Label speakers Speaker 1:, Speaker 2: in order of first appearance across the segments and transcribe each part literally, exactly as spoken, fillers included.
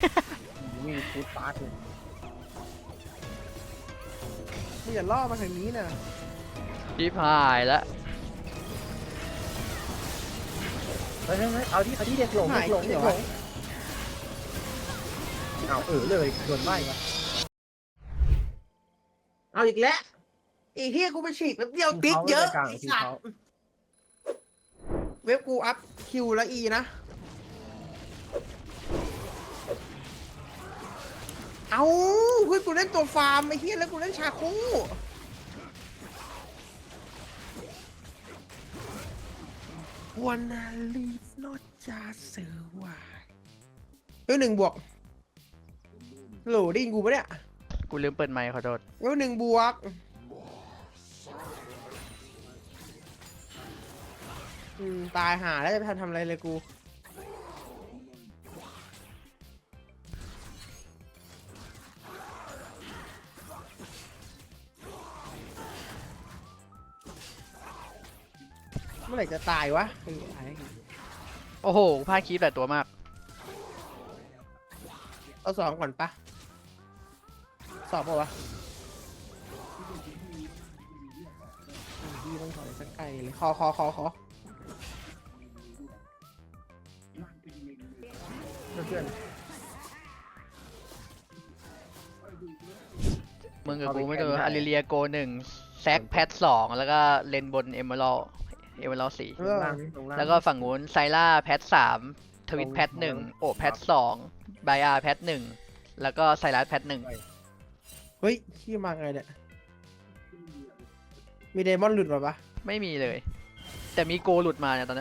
Speaker 1: มีฟูดฟาสต์เลย
Speaker 2: มึงอย่าล่อมาทางนี้นะ
Speaker 3: ชิบหายแล้ว
Speaker 1: เฮ้ยเฮ้ยเฮ้ยเอาที่เอาที่เด็กหลง
Speaker 2: หา
Speaker 1: เด็
Speaker 2: ย
Speaker 1: กหลง
Speaker 2: เดี๋
Speaker 1: เด็
Speaker 2: ยว
Speaker 1: กหล
Speaker 2: วะ
Speaker 1: งเอาเออเลยโดนใบ้มาเอาอีกแล้ว
Speaker 2: ไอ้เฮียกูไปฉีกแป๊บเดียวติ๊กเยอะไอ้สัตว์เว็บกูอัพคิวและอีนะเอาเพื่อนกูเล่นตัวฟาร์มไอ้เฮียแล้วกูเล่นชาคูวันนาลีฟนอตจาเสือวายเฮ้ยหนึ่งบวกโหลได้ยินกูปะเนี่ย
Speaker 3: กูลืมเปิดไมค์ขอโทษ
Speaker 2: เฮ้ยหนึ่งบวกอืมตายหาแล้วจะไปทำทำอะไรเลยกูเมื่อไหร่จะตายวะไอ้ไอ้
Speaker 3: โอ้โหพลาดคลิปหลายตัวมาก
Speaker 2: เอาสองก่อนปะสอบป่าวะพี่ต้องถอยสักไกลเลยคอคอคอคอ
Speaker 1: เพื่อน
Speaker 3: มึงกับ
Speaker 1: เอาไป
Speaker 3: กูไม่เจอ
Speaker 1: แข่งได้
Speaker 3: อาริเลียโกหนึ่งแซกแพทสองแล้วก็เลนบนเอเมอรัลเอเมอรัลสี่
Speaker 2: เอ
Speaker 1: ล
Speaker 2: อง
Speaker 1: ล่างนี่ลงล่าง
Speaker 3: แล้วก็ฝั่งนู้นไซล่าแพทสามทวิตแพทหนึ่งโอแพทสองไบอาร์แพทหนึ่งแล้วก็ไซรัสแพทหนึ่ง
Speaker 2: เฮ้ยขี้มาไงเนี่ยมีเดมอนหลุดมาปะ
Speaker 3: ไม่มีเลย แต่มีโกหลุดมาเนี่ยตอนนี้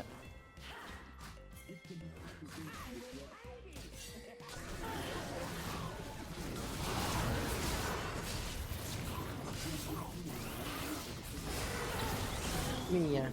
Speaker 2: มีอ่ะ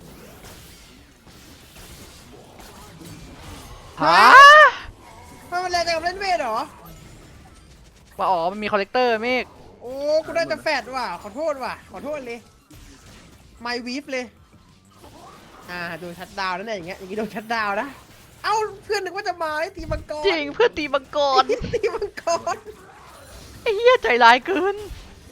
Speaker 3: ฮะ
Speaker 2: ไม่เป็นไรแต่กับเล่นเวทเหรอ
Speaker 3: ว่าอ๋อมันมีคอลเลกเตอร์เมฆ
Speaker 2: โอ้กูได้แต่แฟดว่ะขอโทษว่ะขอโทษเลยไมวีฟเลยอ่าโดนชัดดาวน์แล้วเนี่ยอย่างเงี้ยอย่างงี้โดนชัดดาวน์นะเอ้าเพื่อนนึกว่าจะมาไอ้ตีมังกร
Speaker 3: จริงเพื่อตีมังกร
Speaker 2: ตีมังกร
Speaker 3: ไอ้เหี้ยใจร้ายเกิน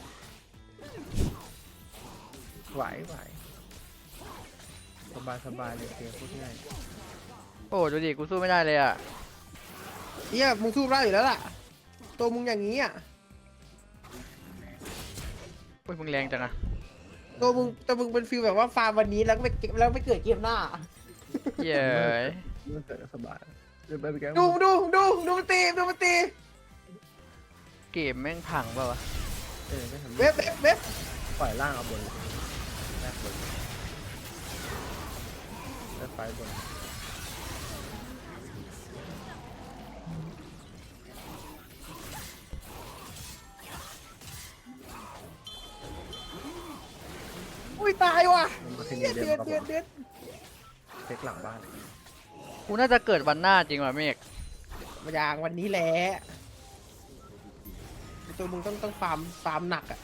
Speaker 1: ไหวไหวสบายสบายเลยเกมพูดง่าย
Speaker 3: โอ้ดูดิกูสู้ไม่ได้เลยอ่ะ
Speaker 2: เฮียมึงสู้ได้อยู่แล้วล่ะตัวมึงอย่างงี้อ่ะ
Speaker 3: โอ้ยมึงแรงจังอะ
Speaker 2: ตัวมึงตัวมึงเป็นฟิลแบบว่าฟาร์มวันนี้แล้วก็ไปเก็บแล้วไม่เกิดเกมหน้า
Speaker 3: เย้ย
Speaker 1: มันเกิดสบายเดินไปไปแก
Speaker 2: ดูดูดูดูมันตีดูมันตี
Speaker 3: เกมแม่งพังเปล่าวะ
Speaker 1: เออไม่ทำ
Speaker 2: เว็บเว็บเว็บ
Speaker 1: ปล่อยล่างเอาบนแรกบนแล้วไฟบน
Speaker 2: อุ้ยตายว่ะ
Speaker 1: มันมาที
Speaker 2: เดื
Speaker 1: นี้
Speaker 2: อด
Speaker 1: เดิ
Speaker 2: เดือด
Speaker 1: น
Speaker 2: เดือดเดือด
Speaker 1: เช็คหลังบ้าน
Speaker 3: กูน่าจะเกิดวันหน้าจริงว่ะเมฆ
Speaker 2: มาอย่างวันนี้แหละตัวมึงต้องต้องฟาร์มฟาร์มหนักอ่ะ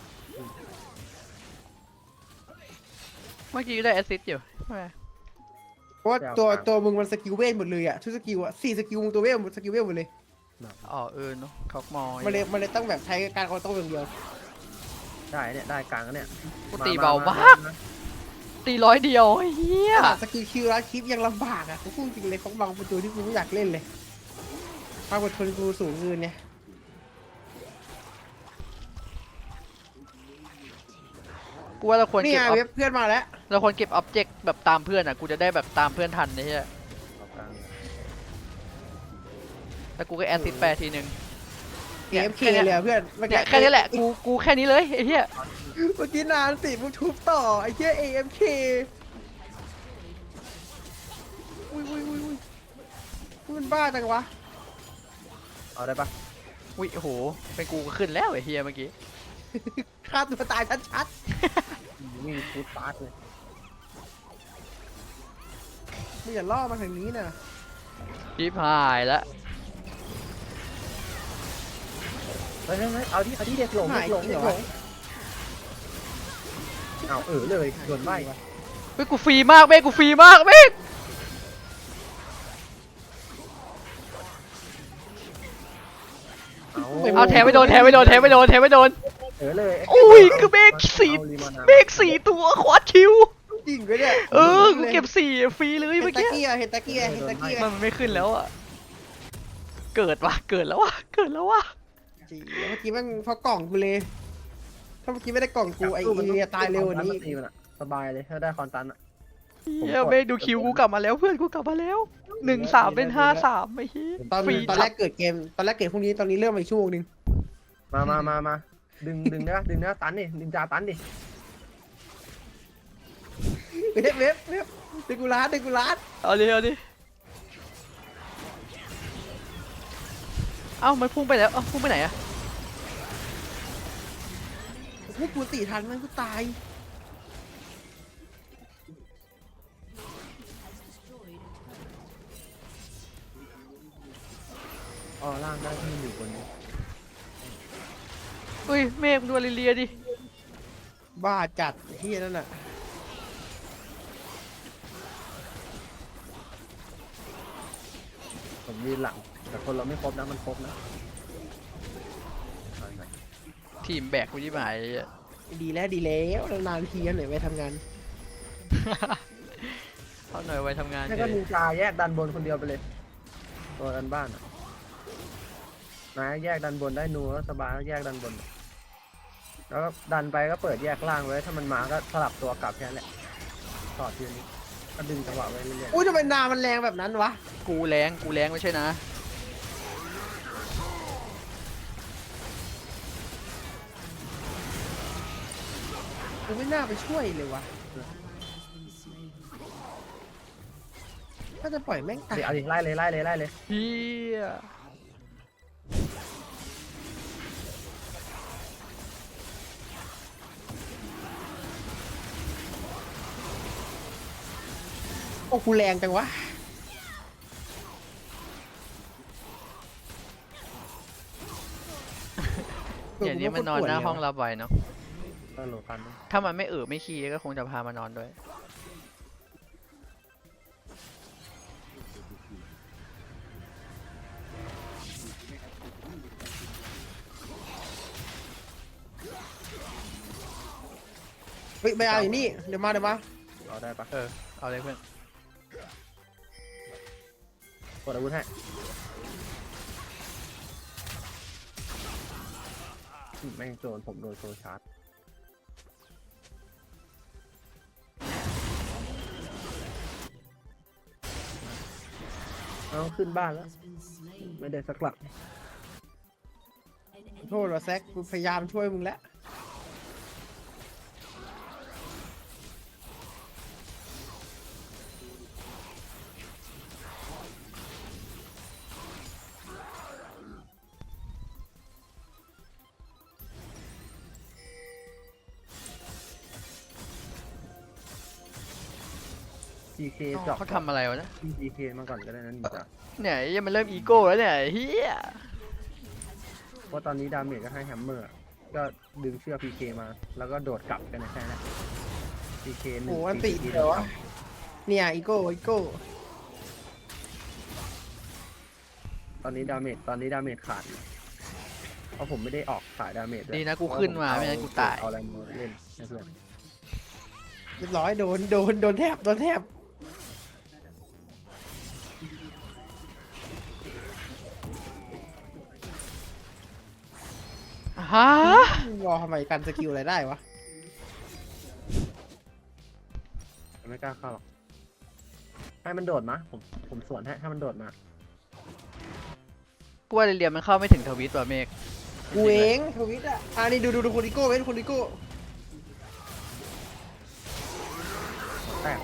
Speaker 3: เมื่อกี้ได้แอสซิสต์อยู่แหม
Speaker 2: เพราะว่าตัวตัวมึงมันสกิลเวทหมดเลยอ่ะทุกสกิลอ่ะสี่สกิลมึงตัวเวทหมดสกิลเวทหมดเลย
Speaker 3: อ๋อเออเนาะท็อกมอ
Speaker 2: มันเลยมันเลยต้องแบบใช้การคอนโต้อย่างเดียว
Speaker 1: ได้เนี่ยได้กลางเนี่ย
Speaker 3: กูตีเบามาก ตีร้อยเดียวไอ้เหี้ย
Speaker 2: สกิลคิวแล้วคลิปยังลำบากอ่ะกูพูดจริงเลยเขาบางเป็นตัวที่กูไม่อยากเล่นเลยความอดทนกูสูงเกินเนี่ย
Speaker 3: กูว่าเราควร
Speaker 2: นี่
Speaker 3: เก็บ
Speaker 2: ไง
Speaker 3: ออ
Speaker 2: เว็บเพื่อนมาแล้ว
Speaker 3: เราควรเก็บอ็อบเจกต์แบบตามเพื่อนอ่ะกูจะได้แบบตามเพื่อนทันไอ้เหี้ย
Speaker 1: เอากลาง
Speaker 3: แล้วกูก็แอสซิสต์ไปทีนึง
Speaker 2: เอฟเคเลยอะเพื่อนเมื่อ
Speaker 3: เนี่
Speaker 2: กี้
Speaker 3: ยแค่นี้แหละกูกูแค่นี้เลยไอ้เหี้ย
Speaker 2: เมื่อกี้นานสิมึงทุบต่อไอ้เหี้ย เอ เอฟ เค อุ้ยอุ้ยอุ้ยอุ้ยมันบ้าจังวะ
Speaker 1: เอาได้ปะ
Speaker 3: อุ้ยโอ้โหเป็นกูก็ขึ้นแล้วไอ้เหี้ยเมื่อกี้
Speaker 2: ฆ่าตัวตายชัด
Speaker 1: มีฟูดฟาสต์เลย
Speaker 2: ๆมึงอย่าล่อมาทางนี้นะ
Speaker 3: ชิบหายแล้ว
Speaker 1: เฮ้ยเฮ้ยเฮ้ยเอาที่เอาที่เด็กหลง
Speaker 2: หา
Speaker 1: เด็
Speaker 2: ย
Speaker 1: กหลง
Speaker 2: เดี๋
Speaker 1: เด็
Speaker 2: ยว
Speaker 1: กหล
Speaker 2: วะ
Speaker 1: งเอาเออเลยโดนใบ้
Speaker 3: เฮ้ยกูฟรีมากเมฆกูฟรีมากเมฆเอาแทงไม่โดนแทงไม่โดนแทงไม่โดนแทงไม่โดน
Speaker 1: เออเลย
Speaker 3: อุ้ยคือเมฆสี่เมฆสี่ตัวควอดคิว
Speaker 2: จริงก็เนี่ย
Speaker 3: เออกูเก็บสี่ฟรีเลย
Speaker 2: เห็
Speaker 3: เมื่
Speaker 2: น
Speaker 3: อ
Speaker 2: ตะ
Speaker 3: กี้
Speaker 2: กี้อะเห็นตะกี้อะเห็นตะกี้
Speaker 3: มั
Speaker 2: อะ
Speaker 3: นไม่ขึ้นแล้วอ่ะเกิดว่ะเกิดแล้วว่ะเกิดแล้วว่ะ
Speaker 2: จริงเมื่อกี้มันพอกล่องกูเลย ถ้าเมื่อกี้ไม่ได้กล่องกูไอ้เอตายเร็วกว่านี้
Speaker 1: สบายเลยถ้าได้คอนตันอ่ะ
Speaker 3: เฮียเมฆดูคิวกูกลับมาแล้วเพื่อนกูกลับมาแล้วหนึ่งสามเป็นห้าสามไม่เฮีย
Speaker 2: ตอน
Speaker 3: ฟรี
Speaker 2: ตอนแรกเกิดเกมตอนแรกเกิดพรุ่งนี้ตอนนี้เริ่มมาอีกชั่วโมงนึง
Speaker 1: มามามามาดึงดึงนะดึงนะตันดิดึงจาตันดิ
Speaker 2: เว็บเว็บเว็บเดกูรัสเดกูรัส
Speaker 3: เอาดิเอาดิเอ้ามันพุ่งไปแล้วเอ้าพุ่งไปไหนอะ
Speaker 2: พวกกูตีทันมันกูตาย
Speaker 1: อ๋อล่างได้ที่อยู่บนนี้
Speaker 3: อุ้ยเมฆดูลิเลียดิ
Speaker 2: บ้าจัดเฮียนั่นน่ะ
Speaker 1: ผมยืนหลังแต่คนเราไม่ครบนะมันครบนะ
Speaker 3: ทีมแบกกูที่หมาย
Speaker 2: ดีแล้วดีแล้วนานๆทีกันหน่อยไปทำงาน
Speaker 3: เขาหน่อยไว้ทำงาน
Speaker 1: นี่
Speaker 3: เล
Speaker 1: ก็
Speaker 3: ย
Speaker 1: นินจาแยกดันบนคนเดียวไปเลยตัวดันบ้านอ่ะนะแยกดันบนได้นูแล้วสบายแล้วแยกดันบน แล้วก็ดันไปก็เปิดแยกล่างไว้ถ้ามันมาก็สลับตัวกลับแค่นั้นแหละต่อทีนี้ก็ดึงจังหวะไว้เรื่อย
Speaker 2: อุ้ยทำไมนามันแรงแบบนั้นวะ
Speaker 3: กูแรงกูแรงไม่ใช่นะ
Speaker 2: กูไม่น่าไปช่วยเลยวะถ้าจะปล่อยแม่ง
Speaker 1: ๆ
Speaker 2: ตาย
Speaker 1: เดี๋ยวเอาดิไล่เลยไล่เลยไล่เลย
Speaker 3: เฮีย
Speaker 2: โอ้กูแรงจังวะ
Speaker 3: อย่างนี้มันนอนหน้าห้องเราบ่อยเนาะ
Speaker 1: ก็โหลกันนะ
Speaker 3: ถ้ามันไม่เออไม่ขี้ก็คงจะพามานอนด้วย
Speaker 2: เฮ้ยไปเอาอยู่นี่เดี๋ยวมาเดี๋ยวมา
Speaker 1: เอาได้ปะ
Speaker 3: เออเอาเลยเพื่อน
Speaker 1: กดอาวุธให้อืมแม่งโจรผมโดนโซชาร์จเอาขึ้นบ้านแล้ว ไม่ได้สักหลัก
Speaker 2: ขอโทษว่ะแซกกูพยายามช่วยมึงแล้ว
Speaker 1: พีเคจอก
Speaker 3: เขาทำอะไรวะนะ
Speaker 1: พีเคมาก่อนก็ได้นะนี่จ้ะ
Speaker 3: เนี่ยยังมันเริ่มอีโก้แล้วเนี่ยเฮีย
Speaker 1: เพราะตอนนี้ดาเมจก็ให้แฮมเมอร์ ก็ดึงเชือกพีเคมา แล้วก็โดดกลับกันนะแค่นั้นพีเคหนึ่ง
Speaker 2: โอ้อันติ
Speaker 1: พี
Speaker 2: เดี๋ยววะเนี่ยอีโก้อีโก้
Speaker 1: ตอนนี้ดาเมจตอนนี้ดาเมจขาดอยู่เพราะผมไม่ได้ออกสายดาเมจด้วย
Speaker 3: ดีนะกูขึ้นมาไม่งั้นกูตาย
Speaker 1: เอาอะไรมาเล่นให้เพื่อน
Speaker 2: เรียบร้อยโดนโดนโดนแทบโดนแทบ
Speaker 3: ฮะ
Speaker 2: วอลทำไมกันสกิลอะไรได้วะ
Speaker 1: ไม่กล้าเข้าหรอกให้มันโดดมาผมผมสวนให้ให้มันโดดมา
Speaker 3: กูว่าเรียนมันเข้าไม่ถึงทวิตว่ะเมฆ
Speaker 2: กูเองทวิตอ่ะอ่านี่ดูดูดูคนดิโก้เว้นคนดิโก้
Speaker 1: แตก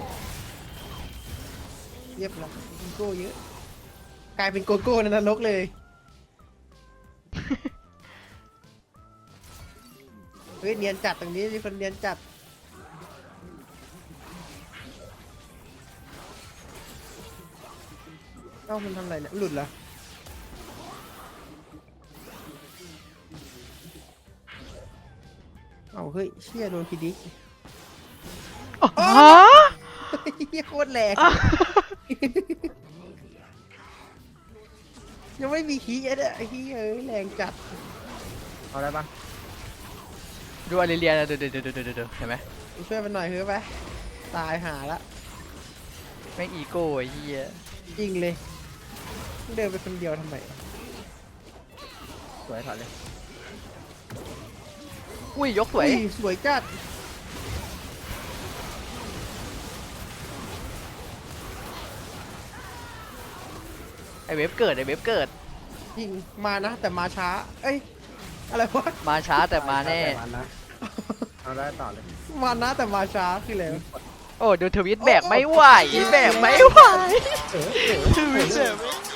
Speaker 2: เรียบร้อยดิโก้เยอะกลายเป็นโกโก้ในนรกเลย เฮ้ยเนียนจัดตรงนี้มีคนเนียนจัดเอ้ามันทำอะไรเนี่ยหลุดเหรอเอ้าเฮ้ยเชี่ยโดนพีดิก
Speaker 3: ฮะ
Speaker 2: เฮียโคตรแรงยังไม่มีคีย์เนี่ยไอ้ที่เอ้ยแรงจัด
Speaker 1: เอาได้ปะ
Speaker 3: ดูอาริเลียนะดูดูดูดูดูดูเห็นไหม
Speaker 2: ช่วยมันหน่อยเถอะไปตายหาละ
Speaker 3: แม่งอีโก้ไอ้เหี้ย
Speaker 2: จริงเลยเดินไปคนเดียวทำไม
Speaker 1: สวยถอดเลย
Speaker 3: อุ้ยยกสวย
Speaker 2: อุ้สวยจัด
Speaker 3: ไอเว็บเกิดไอเว็บเกิด
Speaker 2: จริงมานะ แต่มาช้า เอ้ยอะไรวะ
Speaker 3: มาช้าแต่มาแน่
Speaker 1: ต่มันนะเอาได้ต่อเลย
Speaker 2: มานะแต่มาช้าคืออะไรวะ
Speaker 3: โอ้ดูทวิตแบกไม่ไหวแบกไม่ไหว
Speaker 1: เออเออ
Speaker 3: ทวิตแบกไม่ไหว